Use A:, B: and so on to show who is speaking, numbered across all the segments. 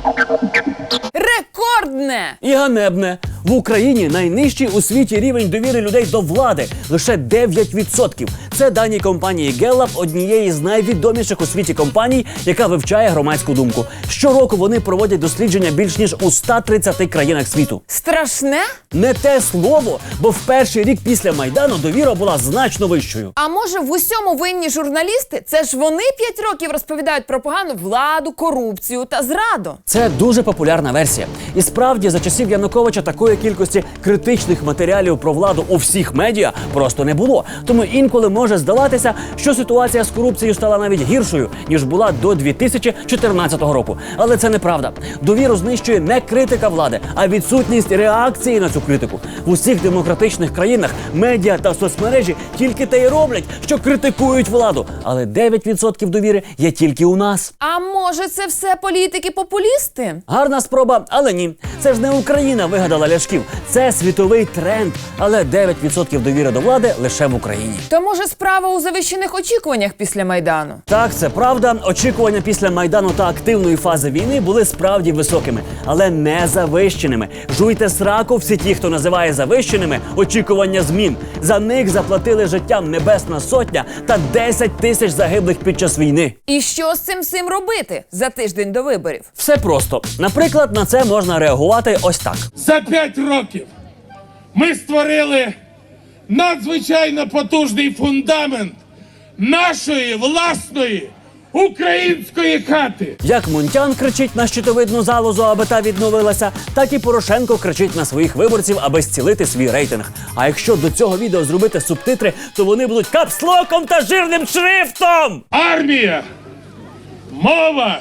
A: Рекордне!
B: І ганебне. В Україні найнижчий у світі рівень довіри людей до влади – лише 9%. Це дані компанії Gallup, однієї з найвідоміших у світі компаній, яка вивчає громадську думку. Щороку вони проводять дослідження більш ніж у 130 країнах світу.
A: Страшне?
B: Не те слово, бо в перший рік після Майдану довіра була значно вищою.
A: А може в усьому винні журналісти? Це ж вони 5 років розповідають про погану владу, корупцію та зраду.
B: Це дуже популярна версія. І справді, за часів Януковича такої кількості критичних матеріалів про владу у всіх медіа просто не було. Тому інколи може здаватися, що ситуація з корупцією стала навіть гіршою, ніж була до 2014 року. Але це неправда. Довіру знищує не критика влади, а відсутність реакції на цю критику. В усіх демократичних країнах медіа та соцмережі тільки те й роблять, що критикують владу. Але 9% довіри є тільки у нас.
A: А може це все політики-популісти?
B: Гарна спроба, але ні. Це ж не Україна вигадала ляшків. Це світовий тренд. Але 9% довіри до влади лише в Україні.
A: То може справа у завищених очікуваннях після Майдану?
B: Так, це правда. Очікування після Майдану та активної фази війни були справді високими, але не завищеними. Жуйте сраку всі ті, хто називає завищеними очікування змін. За них заплатили життям Небесна Сотня та 10 тисяч загиблих під час війни.
A: І що з цим всім робити за тиждень до виборів?
B: Все просто. Наприклад, на це можна реагувати ось так.
C: За 5 років ми створили надзвичайно потужний фундамент нашої власної української хати.
B: Як Мунтян кричить на щитовидну залозу, аби та відновилася, так і Порошенко кричить на своїх виборців, аби зцілити свій рейтинг. А якщо до цього відео зробити субтитри, то вони будуть капслоком та жирним шрифтом!
C: Армія, мова,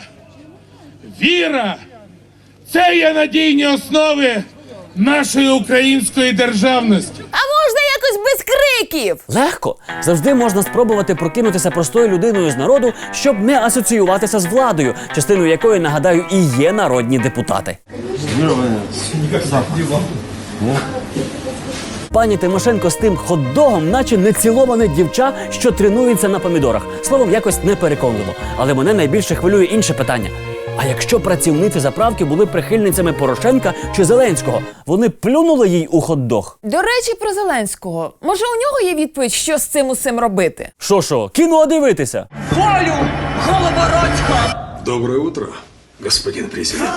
C: віра – це є надійні основи нашої української державності.
A: А можна якось без криків?
B: Легко. Завжди можна спробувати прокинутися простою людиною з народу, щоб не асоціюватися з владою, частиною якої, нагадаю, і є народні депутати. Пані Тимошенко з тим хот-догом, наче неціловане дівча, що тренується на помідорах. Словом, якось непереконливо. Але мене найбільше хвилює інше питання. А якщо працівниці заправки були прихильницями Порошенка чи Зеленського, вони плюнули їй у хот-дог?
A: До речі, про Зеленського. Може, у нього є відповідь, що з цим усім робити?
B: Що, кіно дивитися?
D: Волю, Голобородько!
E: Доброе утро, господин президент.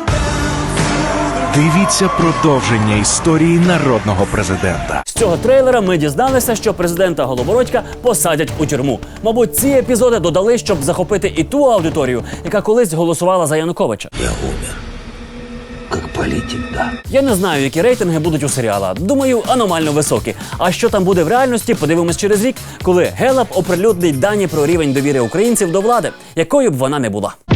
F: Дивіться продовження історії народного президента.
B: З цього трейлера ми дізналися, що президента Голобородька посадять у тюрму. Мабуть, ці епізоди додали, щоб захопити і ту аудиторію, яка колись голосувала за Януковича.
E: Я умер. Как политик, да.
B: Я не знаю, які рейтинги будуть у серіала. Думаю, аномально високі. А що там буде в реальності, подивимось через рік, коли Gallup оприлюднить дані про рівень довіри українців до влади, якою б вона не була.